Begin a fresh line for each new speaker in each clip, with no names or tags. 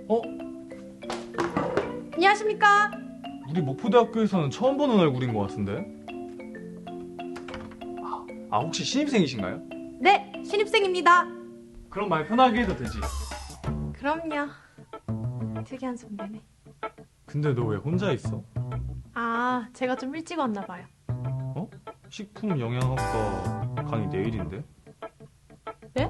어?
안녕하십니까?
우리 목포대학교에서는 처음 보는 얼굴인 것 같은데? 혹시 신입생이신가요?
네, 신입생입니다.
그럼 말 편하게 해도 되지.
그럼요. 특이한 선배네.
근데 너 왜 혼자 있어?
아, 제가 좀 일찍 왔나 봐요.
어? 식품영양학과 강의 내일인데?
네?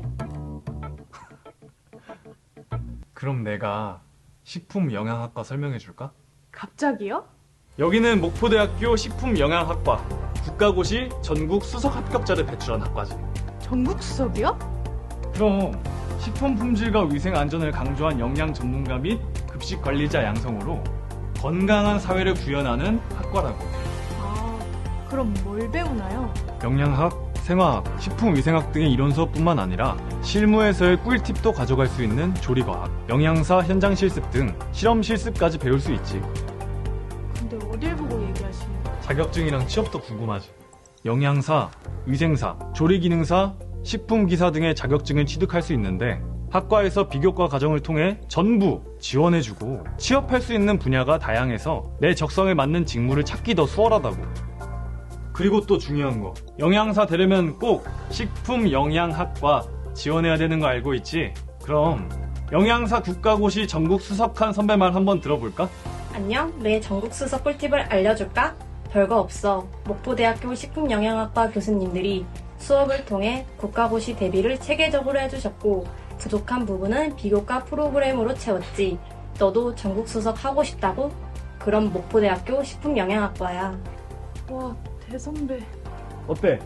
그럼 내가 식품영양학과 설명해 줄까?
갑자기요?
여기는 목포대학교 식품영양학과 국가고시 전국 수석 합격자를 배출한 학과지.
전국 수석이요?
그럼 식품 품질과 위생 안전을 강조한 영양 전문가 및 급식 관리자 양성으로 건강한 사회를 구현하는 학과라고.
아, 그럼 뭘 배우나요?
영양학, 생화학, 식품위생학 등의 이론 수업뿐만 아니라 실무에서의 꿀팁도 가져갈 수 있는 조리과학, 영양사 현장 실습 등 실험 실습까지 배울 수 있지.
근데 어딜 보고 얘기하시는 거예요?
자격증이랑 취업도 궁금하지. 영양사, 위생사, 조리기능사, 식품기사 등의 자격증을 취득할 수 있는데 학과에서 비교과 과정을 통해 전부 지원해주고 취업할 수 있는 분야가 다양해서 내 적성에 맞는 직무를 찾기 더 수월하다고. 그리고 또 중요한 거, 영양사 되려면 꼭 식품영양학과 지원해야 되는 거 알고 있지? 그럼 영양사 국가고시 전국 수석한 선배 말 한번 들어볼까?
안녕, 내 전국 수석 꿀팁을 알려줄까? 별거 없어. 목포대학교 식품영양학과 교수님들이 수업을 통해 국가고시 대비를 체계적으로 해주셨고 부족한 부분은 비교과 프로그램으로 채웠지. 너도 전국 수석 하고 싶다고? 그럼 목포대학교 식품영양학과야.
와, 대선배.
어때?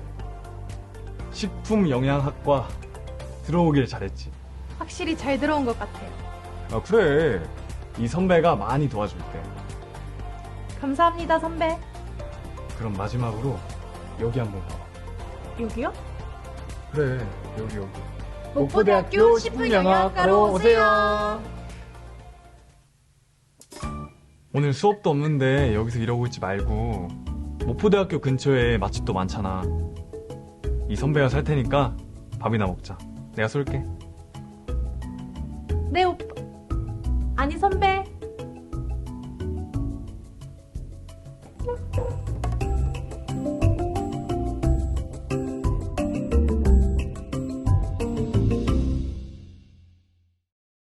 식품영양학과 들어오길 잘했지.
확실히 잘 들어온 것 같아요.
그래. 이 선배가 많이 도와줄게.
감사합니다, 선배.
그럼 마지막으로 여기 한번 봐봐.
여기요?
그래, 여기.
목포대학교 식품영양학과로 오세요.
오늘 수업도 없는데 여기서 이러고 있지 말고 목포대학교 근처에 맛집도 많잖아. 이 선배가 살 테니까 밥이나 먹자. 내가 쏠게.
네, 오빠. 아니, 선배.